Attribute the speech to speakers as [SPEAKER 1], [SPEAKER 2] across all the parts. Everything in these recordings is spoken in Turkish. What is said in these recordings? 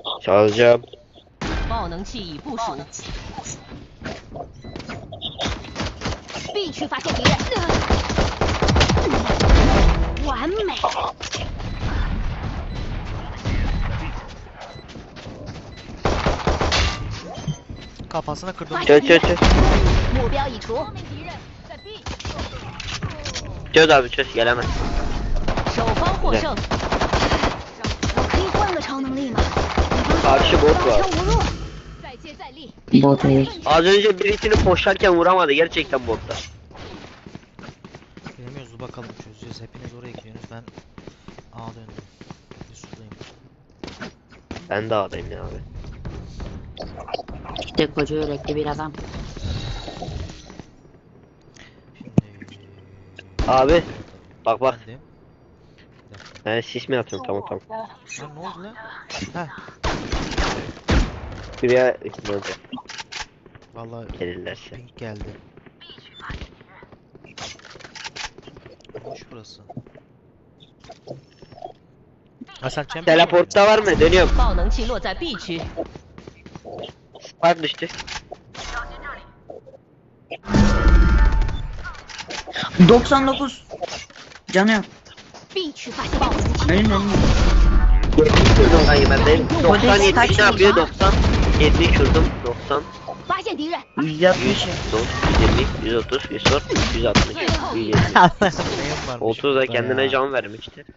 [SPEAKER 1] Çalacağım.
[SPEAKER 2] 爆能器已部署。B 区发现敌人，完美。
[SPEAKER 3] Kafasına kırdım.
[SPEAKER 1] Çöz çöz çöz.
[SPEAKER 2] 目标已除。
[SPEAKER 1] Çöz abi çöz gelemez.
[SPEAKER 2] 守方获胜。我可以换个超能力吗？
[SPEAKER 1] Karşı bot var.
[SPEAKER 2] 无路。再接再厉。
[SPEAKER 4] Bot değil.
[SPEAKER 1] Az önce birisini koşarken vuramadı gerçekten botta.
[SPEAKER 3] Bilemiyoruz bakalım çözeceğiz. Hepiniz oraya gidiyorsunuz. Ben A döndüm. Bir sudayım.
[SPEAKER 1] Ben de adayım ya abi.
[SPEAKER 4] İşte koca yürekli bir adam.
[SPEAKER 3] Şimdi...
[SPEAKER 1] Abi bak bak.
[SPEAKER 3] Efendim?
[SPEAKER 1] Ben sis mi atıyorum tamam.
[SPEAKER 3] Lan ne oldu lan? Heh.
[SPEAKER 1] Şuraya ışınlandı
[SPEAKER 3] Vallahi
[SPEAKER 1] gelirlerse.
[SPEAKER 3] pink geldi. Boş burası. Ha sen champion
[SPEAKER 1] Teleportta var mı? Dönüyorum.
[SPEAKER 2] 爆能器落在 B 区。
[SPEAKER 1] Spark düştü.
[SPEAKER 4] 99. Canı yok.
[SPEAKER 2] B 区发现爆能器。
[SPEAKER 4] Önün.
[SPEAKER 1] Hayır ben de 90 70 ne yapıyor 90 70 vurdum 90
[SPEAKER 2] 发现敌人。
[SPEAKER 4] 160.
[SPEAKER 1] 120 130 140 160 170
[SPEAKER 3] Neyim varmış?
[SPEAKER 1] 30 da
[SPEAKER 3] burada
[SPEAKER 1] kendine
[SPEAKER 3] ya?
[SPEAKER 1] can vermişti.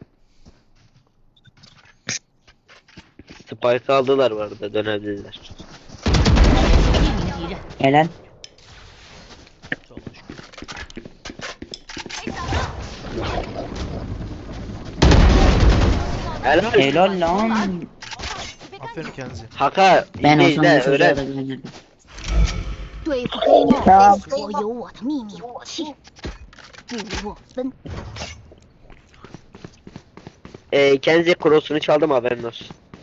[SPEAKER 1] Spike aldılar bu arada dönebilirler.
[SPEAKER 2] 一名敌人。
[SPEAKER 4] Helal.
[SPEAKER 3] Çok şükür.
[SPEAKER 1] Helal.
[SPEAKER 4] Helal lan.
[SPEAKER 3] Aferin Kenzi.
[SPEAKER 1] Haka
[SPEAKER 4] Ben
[SPEAKER 1] izle
[SPEAKER 4] olsam
[SPEAKER 1] izle
[SPEAKER 4] bu çocuğa da
[SPEAKER 1] öğren.
[SPEAKER 4] güvenirdim.
[SPEAKER 2] 对付黑梦，我有我的秘密武器，布洛芬。
[SPEAKER 1] Kenzie cross'unu çaldım haberin olsun.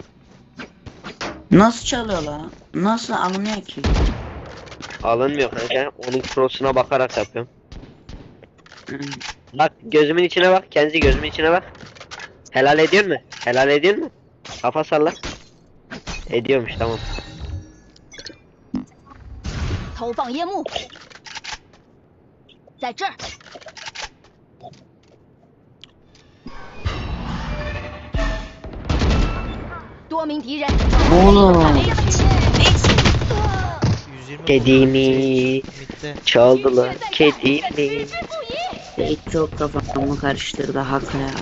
[SPEAKER 4] Nasıl çalıyor lan? Nasıl alınıyor ki?
[SPEAKER 1] Alınmıyor kanka onun cross'una bakarak yapıyorum.
[SPEAKER 4] Hmm.
[SPEAKER 1] Bak gözümün içine bak Kenzie gözümün içine bak. Helal ediyor mu? Helal ediyor mu? Kafa salla. Ediyormuş tamam.
[SPEAKER 2] 投放烟幕，在这儿。多名敌人。
[SPEAKER 4] Oğlum.
[SPEAKER 3] 120
[SPEAKER 1] Kedimi
[SPEAKER 3] Mid'de.
[SPEAKER 1] çaldılar kedimi.
[SPEAKER 2] 置之不疑。
[SPEAKER 4] Hiç çok kafamı karıştırdı Hakkı ya.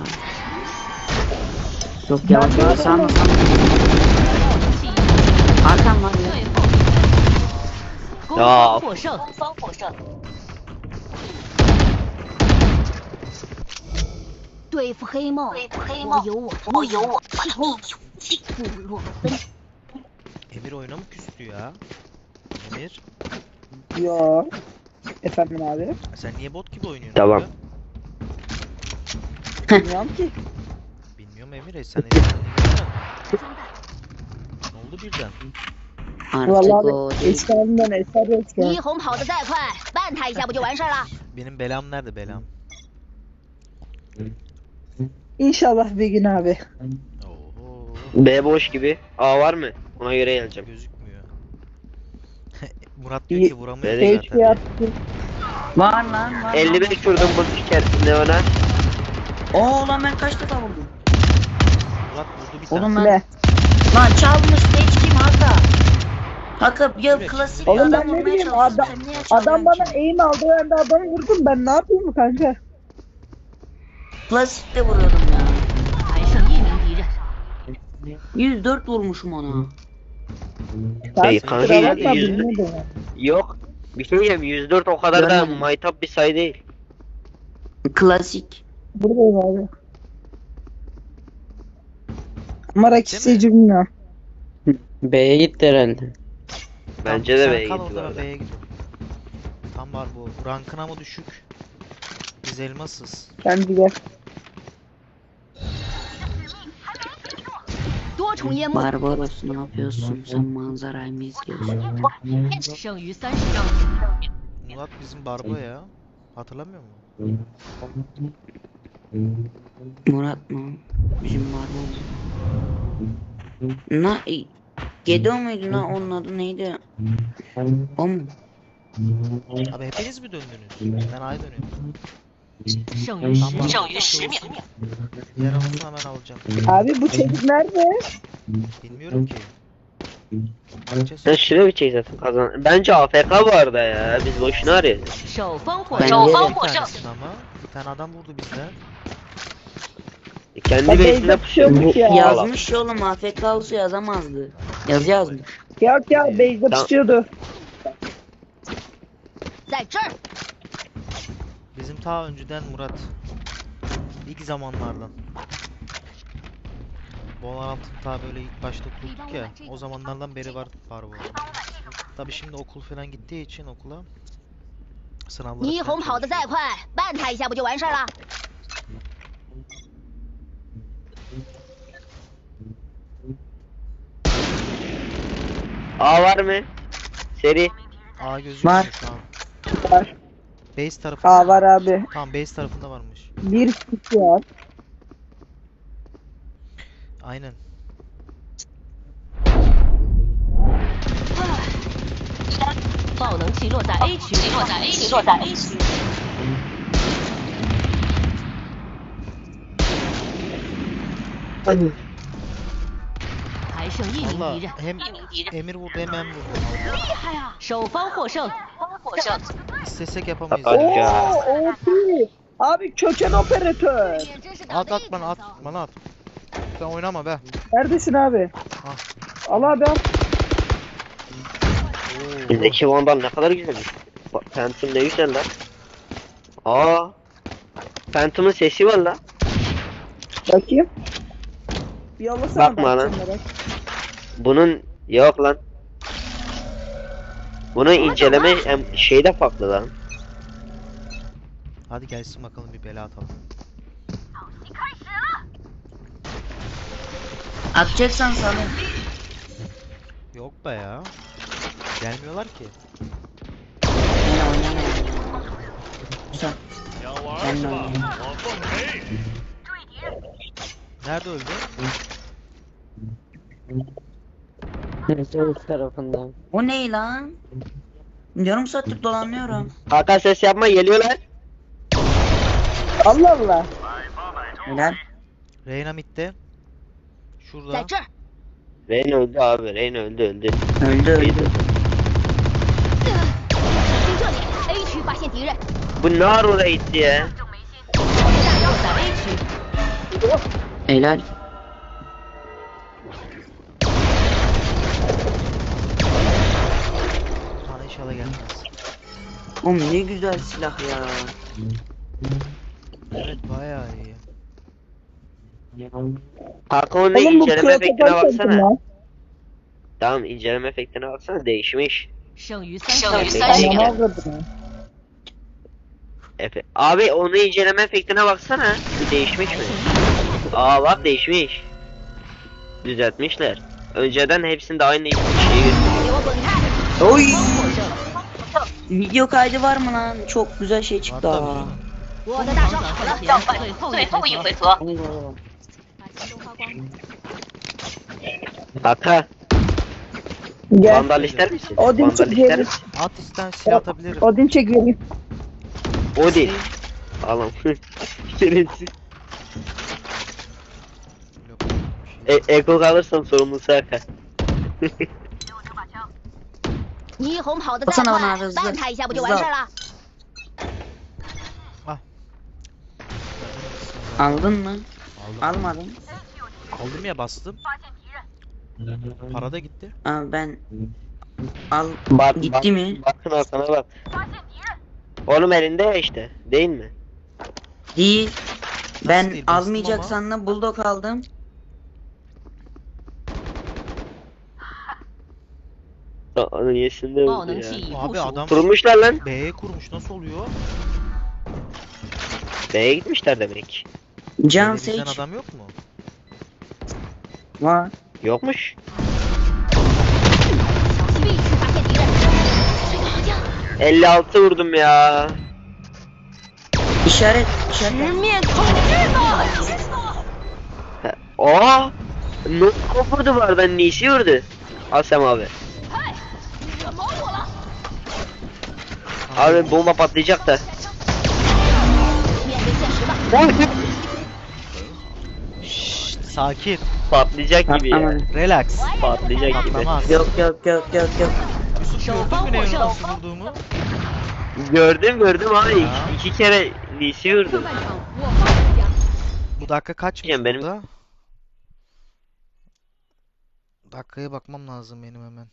[SPEAKER 4] Çok yavaş olsam mı?
[SPEAKER 2] 爆能器已
[SPEAKER 4] Hakan var
[SPEAKER 2] 最
[SPEAKER 4] ya.
[SPEAKER 2] 后。攻方获胜。攻方获胜。对付黑梦，我有我的秘密武器，布洛芬。
[SPEAKER 3] Emir oyuna mı küstü ya? Emir.
[SPEAKER 5] Yo. Efendim abi.
[SPEAKER 3] Sen niye bot gibi oynuyorsun?
[SPEAKER 1] Tamam.
[SPEAKER 3] abi?
[SPEAKER 5] Bilmiyorum ki.
[SPEAKER 3] Bilmiyorum Emir. Sen Emir'den ne oldu birden?
[SPEAKER 4] Artık
[SPEAKER 5] Vallahi
[SPEAKER 4] o
[SPEAKER 5] abi,
[SPEAKER 4] değil.
[SPEAKER 5] eski halimden eser yok şu an.
[SPEAKER 2] 霓虹跑得再快，绊他一下不就完事儿了？
[SPEAKER 3] Benim belam nerede belam?
[SPEAKER 5] İnşallah bir gün abi.
[SPEAKER 3] Oho.
[SPEAKER 1] B boş gibi. A var mı? Ona göre geleceğim.
[SPEAKER 3] Gözükmüyor. Murat diyor ki vuramıyor
[SPEAKER 1] Nereye
[SPEAKER 3] zaten.
[SPEAKER 5] Keşke
[SPEAKER 3] diyor.
[SPEAKER 5] yaptım.
[SPEAKER 4] Var lan var.
[SPEAKER 1] 55 vurdum bu içerisinde ona.
[SPEAKER 4] Oo lan ben kaç defa vurdum?
[SPEAKER 3] Murat vurdu bir tane.
[SPEAKER 4] Oğlum ben.
[SPEAKER 5] Ne?
[SPEAKER 4] Lan çalmış hiç kim Hakkı? Hakkı ya
[SPEAKER 3] Evet.
[SPEAKER 4] klasik
[SPEAKER 5] Oğlum
[SPEAKER 4] adam
[SPEAKER 5] ben ne
[SPEAKER 4] vurmaya
[SPEAKER 5] bileyim
[SPEAKER 4] çalışıyorsun,
[SPEAKER 5] adam,
[SPEAKER 4] sen niye
[SPEAKER 5] adam
[SPEAKER 4] çalıyorsun
[SPEAKER 5] bana
[SPEAKER 4] ki?
[SPEAKER 5] eğim aldı ben de adamı vurdum ben ne yapayım mı kanka?
[SPEAKER 4] Klasik de vuruyordum ya.
[SPEAKER 2] 还剩一名敌人。
[SPEAKER 4] 104 vurmuşum ona.
[SPEAKER 1] Hey,
[SPEAKER 5] Sen
[SPEAKER 1] kanka,
[SPEAKER 5] kusura bakma,
[SPEAKER 1] yüzde-
[SPEAKER 5] bilmiyordum ya.
[SPEAKER 1] Yok. Bir şey diyeyim 104 o kadar da
[SPEAKER 4] Görmedim.
[SPEAKER 1] maytap bir sayı değil.
[SPEAKER 4] Klasik.
[SPEAKER 5] Buradayım abi. Ama rakip
[SPEAKER 3] Değil mi?
[SPEAKER 5] sayıcı bilmiyorum.
[SPEAKER 6] B'ye gitti herhalde.
[SPEAKER 1] Bence de
[SPEAKER 3] Sen
[SPEAKER 1] B'ye
[SPEAKER 3] kal
[SPEAKER 1] gitti
[SPEAKER 3] o
[SPEAKER 1] bu
[SPEAKER 3] zaman
[SPEAKER 1] arada.
[SPEAKER 3] B'ye git. Tam var bu. Rankına mı düşük? Biz elmasız.
[SPEAKER 5] Kendi gel.
[SPEAKER 2] 多重烟幕，
[SPEAKER 4] Barbaros ne yapıyorsun? Sen manzarayı mı izliyorsun?
[SPEAKER 2] 剩余30张。
[SPEAKER 3] Murat bizim barba ya. Hatırlamıyor musun?
[SPEAKER 4] Murat mı? Bizim Barbaros. Gedo muydu lan, onun adı neydi? O mu?
[SPEAKER 3] Abi hepiniz mi döndünüz? Ben A'ya dönüyorum.
[SPEAKER 2] 剩余10 秒。
[SPEAKER 3] Diğer anonsunu hemen alacağım.
[SPEAKER 5] Abi bu çocuk nerede?
[SPEAKER 3] Bilmiyorum ki. Bakacağız.
[SPEAKER 1] Sen şuraya bir çek zaten kazan. Bence AFK bu arada ya. Biz boşuna arıyoruz.
[SPEAKER 2] 首方获
[SPEAKER 4] Ben
[SPEAKER 2] 胜，
[SPEAKER 4] yerim.
[SPEAKER 3] Bir tanesini ama. Bir tane adam vurdu bizden.
[SPEAKER 1] Kendi
[SPEAKER 5] Ya
[SPEAKER 1] base'inde
[SPEAKER 5] Beyza
[SPEAKER 1] pusuyormuş.
[SPEAKER 5] ya.
[SPEAKER 4] Yazmış ya oğlum, AFK olsa yazamazdı. Yazı yazmış.
[SPEAKER 5] Yok ya Beyza
[SPEAKER 1] Tamam.
[SPEAKER 5] tutuyordu.
[SPEAKER 2] 在这儿，
[SPEAKER 3] Bizim ta önceden Murat. İlk zamanlardan. Valorant'ın ta böyle ilk başta kurduk ya. O zamanlardan beri var bu. Tabi şimdi okul falan gittiği için okula sınavları
[SPEAKER 2] 霓
[SPEAKER 3] falan
[SPEAKER 2] 虹跑得再
[SPEAKER 3] çalışıyor.
[SPEAKER 2] 快，绊他一下不就完事儿了？
[SPEAKER 1] A var mı? Seri.
[SPEAKER 3] A gözükmüyor
[SPEAKER 4] Var.
[SPEAKER 3] şu an.
[SPEAKER 5] Var.
[SPEAKER 3] Base tarafında.
[SPEAKER 5] Aa var abi.
[SPEAKER 3] Tamam base tarafında varmış.
[SPEAKER 5] Bir kişi var.
[SPEAKER 3] Aynen.
[SPEAKER 2] 爆能器落在 A 区，落在 A 区。还剩一名
[SPEAKER 3] Valla
[SPEAKER 2] 敌人，
[SPEAKER 3] hem Emir vurdu hem ben vurdum.
[SPEAKER 2] 首方获胜。
[SPEAKER 3] İstesek yapamayız.
[SPEAKER 1] Hadi
[SPEAKER 3] ya.
[SPEAKER 1] ya.
[SPEAKER 5] Oo OP. Abi köken operatör.
[SPEAKER 2] 真是
[SPEAKER 3] At bana at. Bana at. Sen oynama be.
[SPEAKER 5] Neredesin abi?
[SPEAKER 3] Ah.
[SPEAKER 5] Al abi al.
[SPEAKER 1] Bizdeki Vandal ne kadar güzelmiş. Bak, Phantom ne güzel lan. Aa. Phantom'ın sesi var lan.
[SPEAKER 5] Bakayım. Bir yollasana.
[SPEAKER 1] Bakma lan.
[SPEAKER 5] bakacağım.
[SPEAKER 1] Bunun yok lan. Bunun inceleme şeyde farklı lan.
[SPEAKER 3] Hadi gelsin bakalım bir bela atalım.
[SPEAKER 4] Atacaksan sana.
[SPEAKER 3] Yok be ya. Gelmiyorlar ki.
[SPEAKER 4] Yine oynamayalım. Güzel. Ben de oynayayım.
[SPEAKER 3] Nerede öldü?
[SPEAKER 6] Sol tarafından.
[SPEAKER 4] O ne lan? Yarım saattir dolanıyorum.
[SPEAKER 1] Hakan ses yapma geliyorlar.
[SPEAKER 5] Allah Allah.
[SPEAKER 4] Helal.
[SPEAKER 3] Reyna midde.
[SPEAKER 2] 在
[SPEAKER 3] Şurada.
[SPEAKER 2] 这儿，
[SPEAKER 1] Rain öldü abi. Rain öldü.
[SPEAKER 4] Öldü öldü.
[SPEAKER 2] 小心这里，A 区发现敌人，
[SPEAKER 1] Bu ne ara oraya gitti ya?
[SPEAKER 2] 炸药在 A 区，
[SPEAKER 4] Helal.
[SPEAKER 3] Bana inşallah gelmez.
[SPEAKER 4] Oğlum ne güzel silah ya.
[SPEAKER 3] Evet bayağı iyi.
[SPEAKER 1] Hakan onun
[SPEAKER 5] Oğlum bu
[SPEAKER 1] inceleme efektine
[SPEAKER 5] protokol
[SPEAKER 1] baksana.
[SPEAKER 5] çektim lan.
[SPEAKER 1] Tamam inceleme efektine baksana değişmiş.
[SPEAKER 2] 剩余
[SPEAKER 1] 剩余
[SPEAKER 2] 30秒。
[SPEAKER 1] 30
[SPEAKER 5] Anam avradım.
[SPEAKER 1] Abi onu inceleme efektine baksana. Bir değişmiş mi? Aa bak değişmiş. Düzeltmişler. Önceden hepsinde aynı şeyi gösteriyor.
[SPEAKER 2] 给我滚开！
[SPEAKER 4] Oy.
[SPEAKER 2] 获胜，
[SPEAKER 4] Video kaydı var mı lan? Çok güzel şey
[SPEAKER 3] Var
[SPEAKER 4] çıktı
[SPEAKER 3] tabii
[SPEAKER 4] ha.
[SPEAKER 3] canım.
[SPEAKER 2] 我的大招好了，要换最后一回合。
[SPEAKER 4] Hadi bakalım.
[SPEAKER 2] 把钱都花光。
[SPEAKER 1] Hakan
[SPEAKER 5] Gel.
[SPEAKER 1] Vandal ister misin?
[SPEAKER 5] Odin
[SPEAKER 1] Vandal ister
[SPEAKER 5] çekelim.
[SPEAKER 1] misin?
[SPEAKER 3] At isten silah atabilirim.
[SPEAKER 5] Odin çek vereyim.
[SPEAKER 1] Odin. Alam. Şerefsiz.
[SPEAKER 3] Yok, bir şey.
[SPEAKER 1] Eko kalırsam sorumlusu Hakan.
[SPEAKER 2] 霓虹跑得再
[SPEAKER 4] Baksana
[SPEAKER 2] 快
[SPEAKER 4] bana hızlı.
[SPEAKER 2] 绊他一下不就完事儿了？
[SPEAKER 4] Aldın mı?
[SPEAKER 3] Aldım.
[SPEAKER 4] Almadım.
[SPEAKER 3] Aldım ya bastım. Para da gitti.
[SPEAKER 4] Aa, ben al
[SPEAKER 1] Bak,
[SPEAKER 4] gitti mi?
[SPEAKER 1] Bakın Hakan'a bak. Oğlum elinde ya işte. Değil mi?
[SPEAKER 4] Değil. Ben
[SPEAKER 3] değil? Bastım
[SPEAKER 4] almayacak
[SPEAKER 3] ama.
[SPEAKER 4] sandım, bulldog aldım.
[SPEAKER 1] Onun yesinde
[SPEAKER 2] 爆
[SPEAKER 1] oldu
[SPEAKER 2] 能
[SPEAKER 1] ya.
[SPEAKER 2] 器已部
[SPEAKER 3] Abi
[SPEAKER 2] 署，
[SPEAKER 3] adam
[SPEAKER 1] Kurmuşlar lan.
[SPEAKER 3] B'ye kurmuş nasıl oluyor?
[SPEAKER 1] B'ye gitmişler demek.
[SPEAKER 4] Can
[SPEAKER 3] Böyle bizden
[SPEAKER 4] Sage
[SPEAKER 3] adam yok mu?
[SPEAKER 4] var.
[SPEAKER 1] Yokmuş.
[SPEAKER 2] 小心 B 区发现敌人，这个好像
[SPEAKER 1] 56 vurdum ya.
[SPEAKER 4] İşaret.
[SPEAKER 2] 直面统治吧！
[SPEAKER 1] Aa! Ne vurdu bu arada? Nisi vurdu? Asem abi.
[SPEAKER 2] 惹毛我了！
[SPEAKER 1] Abi bomba patlayacak da.
[SPEAKER 2] 面对现实吧。
[SPEAKER 3] Şşt, sakin.
[SPEAKER 1] Patlayacak gibi ya.
[SPEAKER 6] Patlamadı.
[SPEAKER 3] Relax.
[SPEAKER 1] Patlayacak gibi.
[SPEAKER 3] Patlamaz.
[SPEAKER 4] Yok yok yok yok yok.
[SPEAKER 3] Yusuf gördün mü Neon'u nasıl vurduğumu?
[SPEAKER 1] Gördüm abi.
[SPEAKER 3] Ya.
[SPEAKER 1] İki kere Nisi vurdu.
[SPEAKER 2] 上半场我方赢家。
[SPEAKER 3] Bu dakika kaçmış
[SPEAKER 1] Yani benim-
[SPEAKER 3] burada? Dakikaya bakmam lazım benim hemen.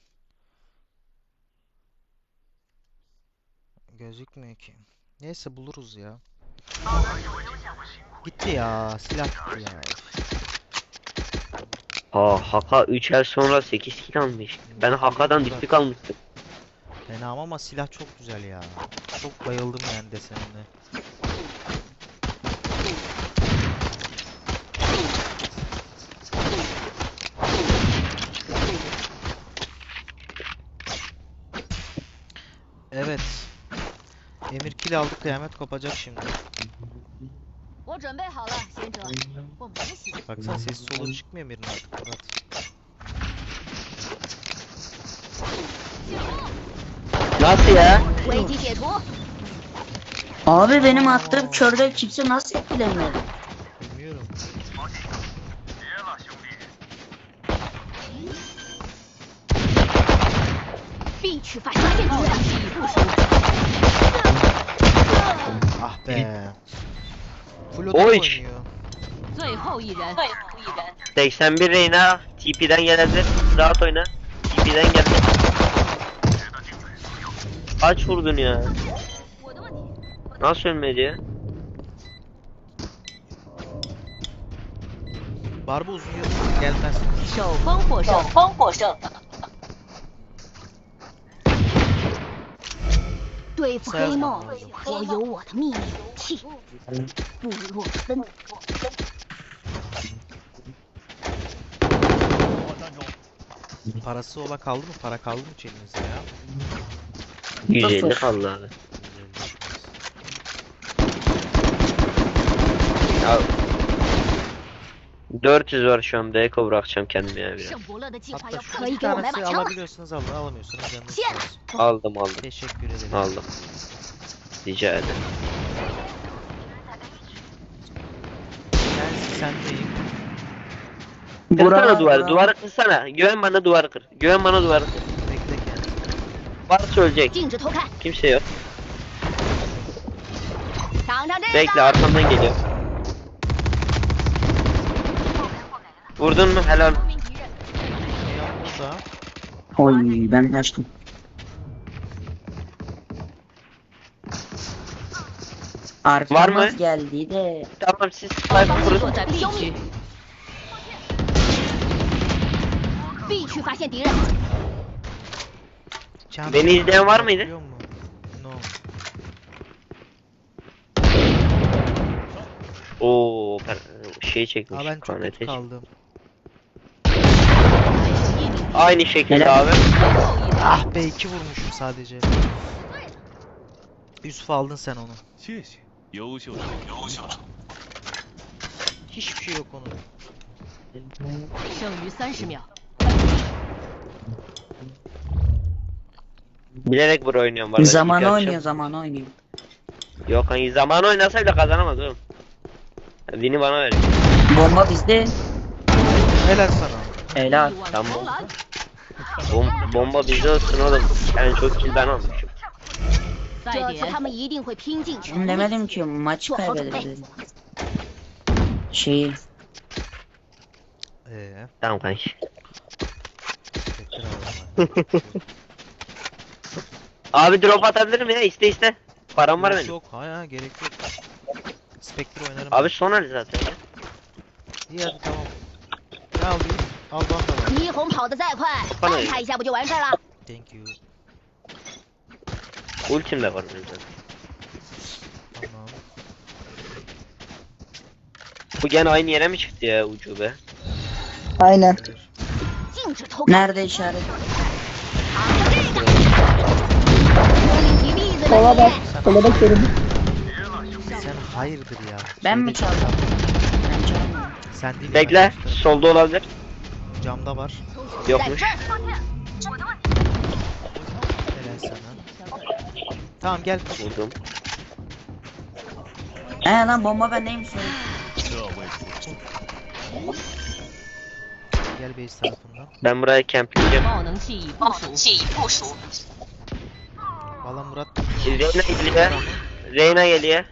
[SPEAKER 3] Gözükmüyor ki. Neyse buluruz ya. Gitti ya. Silah gitti ya.
[SPEAKER 1] Haka 3 el sonra 8 kill almış. Ben Haka'dan düşük almıştım.
[SPEAKER 3] Fena ama silah çok güzel ya. Çok bayıldım yani desenine. Evet. Emir kill aldı, kıyamet kopacak şimdi.
[SPEAKER 2] 我准备好了，贤者。我们不行。
[SPEAKER 3] Baksana sesi solu çıkmıyor Emir'in artık. Murat.
[SPEAKER 2] 醒目，
[SPEAKER 1] Nasıl ya?
[SPEAKER 2] 危机解除。
[SPEAKER 4] Abi benim attığım körde kimse nasıl etkilemiyor?
[SPEAKER 3] Bilmiyorum.
[SPEAKER 2] B 区发现敌人，部署。
[SPEAKER 3] Ah be. Full
[SPEAKER 1] Oy.
[SPEAKER 3] oynuyor.
[SPEAKER 2] 最后一人。
[SPEAKER 1] 81 Reyna TP'den gelebilir. Rahat oyna. TP'den geldi. Kaç vurdun ya?
[SPEAKER 2] 我的问题。
[SPEAKER 1] Nasıl ölmedi ya?
[SPEAKER 3] Barba uzun yıl gelmez.
[SPEAKER 2] 首方获胜。对付黑梦，我有我的秘密武器——布洛芬。
[SPEAKER 3] Parası ola kaldı mı? Para kaldı mı elinizde ya?
[SPEAKER 1] 150 kaldı abi. Ya 400 var şu an. Beko bırakacağım kendime ya biraz.
[SPEAKER 2] 圣伯乐的计划
[SPEAKER 3] Hatta
[SPEAKER 2] 要
[SPEAKER 3] şu
[SPEAKER 2] 可以
[SPEAKER 3] bir
[SPEAKER 2] 给我买把
[SPEAKER 3] tanesi
[SPEAKER 2] 枪吗？
[SPEAKER 3] alabiliyorsunuz alın, alamıyorsunuz canınız
[SPEAKER 2] Şey-
[SPEAKER 3] sağ olsun.
[SPEAKER 1] Aldım.
[SPEAKER 3] Teşekkür ederim.
[SPEAKER 1] Aldım. Rica ederim.
[SPEAKER 3] Ben sendeyim.
[SPEAKER 1] Kırsana duvarı. Duvarı kırsana. Güven bana duvarı kır. Güven bana duvarı kır.
[SPEAKER 3] Bekle kendini.
[SPEAKER 2] –
[SPEAKER 1] Varsa ölecek.
[SPEAKER 2] 禁止偷看，
[SPEAKER 1] Kimse yok.
[SPEAKER 2] 尝尝这
[SPEAKER 1] Bekle
[SPEAKER 2] 个。
[SPEAKER 1] arkamdan geliyor. Vurdun mu? Helal.
[SPEAKER 2] 名敌人，
[SPEAKER 3] Neon burada.
[SPEAKER 4] Oy ben kaçtım. Arkamız
[SPEAKER 1] mı?
[SPEAKER 4] geldi de.
[SPEAKER 1] Tamam siz sniper
[SPEAKER 2] 方
[SPEAKER 1] kurun.
[SPEAKER 2] 坐在 B 区。B 区发现敌人，
[SPEAKER 3] Çağatay
[SPEAKER 1] Beni izleyen var mıydı?
[SPEAKER 3] biliyor musun? No.
[SPEAKER 1] Oo, şey çekmiş.
[SPEAKER 3] Aa ben çok
[SPEAKER 1] KNT
[SPEAKER 3] kötü
[SPEAKER 1] çekmiş.
[SPEAKER 3] kaldım.
[SPEAKER 1] Aynı şekilde
[SPEAKER 4] Helal.
[SPEAKER 1] abi.
[SPEAKER 3] Ah be 2 vurmuşum sadece. Yusuf aldın sen onu.
[SPEAKER 7] 谢谢，优秀的优秀的。
[SPEAKER 3] Hiçbir şey yok onun.
[SPEAKER 2] 剩余30秒。
[SPEAKER 1] Bilerek buraya oynuyorum. Var
[SPEAKER 4] Zaman oynuyor zaman oynuyor.
[SPEAKER 1] Yok hani zaman oynasa bile kazanamaz oğlum. Win'i bana ver.
[SPEAKER 4] Bomba bizde.
[SPEAKER 3] Helal sana.
[SPEAKER 4] Helal.
[SPEAKER 2] 力挽
[SPEAKER 1] Tamam.
[SPEAKER 2] 狂澜。
[SPEAKER 1] Bomba bizde olsun oğlum. Yani çok kill ben almışım.
[SPEAKER 2] 这次他们一定会拼尽全
[SPEAKER 4] Ben
[SPEAKER 2] 力。
[SPEAKER 4] demedim ki maçı kaybederiz. Şeyi.
[SPEAKER 1] Tamam kanki.
[SPEAKER 3] Tekrar alalım.
[SPEAKER 1] Abi drop atabilirim ya iste. Param var
[SPEAKER 3] Yok,
[SPEAKER 1] benim.
[SPEAKER 3] yok ha gerek yok. Spectre oynarım.
[SPEAKER 1] Abi son hali zaten ya.
[SPEAKER 3] İyi hadi tamam. Ne aldın? Al bana da var.
[SPEAKER 2] 霓虹跑得再快，绊他一下不就完事儿了？
[SPEAKER 3] Thank you.
[SPEAKER 1] Ultim de var benim zaten.
[SPEAKER 3] Tamam.
[SPEAKER 1] Bu gene aynı yere mi çıktı ya ucube?
[SPEAKER 5] Aynen.
[SPEAKER 3] Gelir.
[SPEAKER 2] 禁止偷看。
[SPEAKER 4] Nerede işaret?
[SPEAKER 2] 尝尝这个。用力举例子
[SPEAKER 5] Sola
[SPEAKER 2] 的
[SPEAKER 5] bak.
[SPEAKER 2] 你，
[SPEAKER 5] Sola bak dedim.
[SPEAKER 3] Sen hayırdır ya.
[SPEAKER 4] Ben mi
[SPEAKER 3] Şeyde-
[SPEAKER 4] çaldım? Ben çalmadım.
[SPEAKER 3] Sen değil.
[SPEAKER 1] Bekle.
[SPEAKER 3] arkadaşlar.
[SPEAKER 1] Solda olabilir.
[SPEAKER 3] Camda var.
[SPEAKER 1] Yokmuş.
[SPEAKER 3] Helal sana. Tamam gel.
[SPEAKER 1] Vurdum.
[SPEAKER 4] Lan bomba bendeymiş.
[SPEAKER 7] 这位不错。
[SPEAKER 3] Gel base tarafından.
[SPEAKER 1] Ben buraya campleyeceğim.
[SPEAKER 2] 爆能器已部署。
[SPEAKER 3] Valla Murat.
[SPEAKER 1] Reyna geliyor. Reyna geliyor.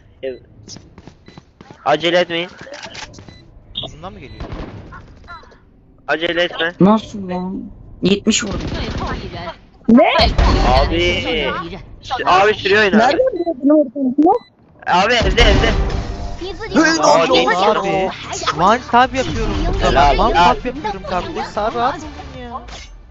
[SPEAKER 1] Acele etmeyin.
[SPEAKER 3] Uzundan mı geliyor?
[SPEAKER 1] Acele etme.
[SPEAKER 4] Nasıl lan? 70 vurdum.
[SPEAKER 2] 最后一人。
[SPEAKER 5] Ne?
[SPEAKER 1] abi.
[SPEAKER 2] 剩下一人。
[SPEAKER 1] Abi sürüyor oyunu.
[SPEAKER 5] Nereden bildin oradan?
[SPEAKER 1] Abi evde.
[SPEAKER 2] 你自己往
[SPEAKER 1] Aa,
[SPEAKER 2] 后
[SPEAKER 1] değil
[SPEAKER 2] 多
[SPEAKER 1] abi.
[SPEAKER 2] 想，
[SPEAKER 3] One tap yapıyorum burada.
[SPEAKER 1] Helal,
[SPEAKER 3] One
[SPEAKER 1] helal.
[SPEAKER 3] tap yapıyorum kardeş. Sağ rahat mısın ya?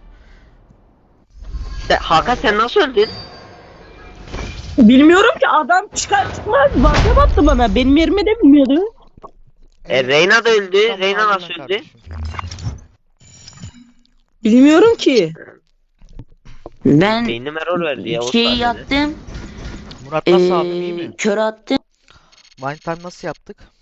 [SPEAKER 1] Hakan sen nasıl öldün?
[SPEAKER 5] Bilmiyorum ki adam çıkar çıkmaz vazgeç attı bana. Benim yerime de bilmiyordu.
[SPEAKER 1] Reyna da öldü.
[SPEAKER 3] Tamam,
[SPEAKER 1] Reyna
[SPEAKER 3] aldın
[SPEAKER 1] nasıl
[SPEAKER 3] lan
[SPEAKER 1] öldü?
[SPEAKER 3] kardeşim.
[SPEAKER 5] Bilmiyorum ki.
[SPEAKER 4] Ben
[SPEAKER 1] Beynim error verdi ya. o
[SPEAKER 4] şeyi
[SPEAKER 1] sahnede.
[SPEAKER 4] yaptım.
[SPEAKER 3] Murat nasıl aldın iyi mi?
[SPEAKER 4] Kör attım.
[SPEAKER 3] One time nasıl yaptık?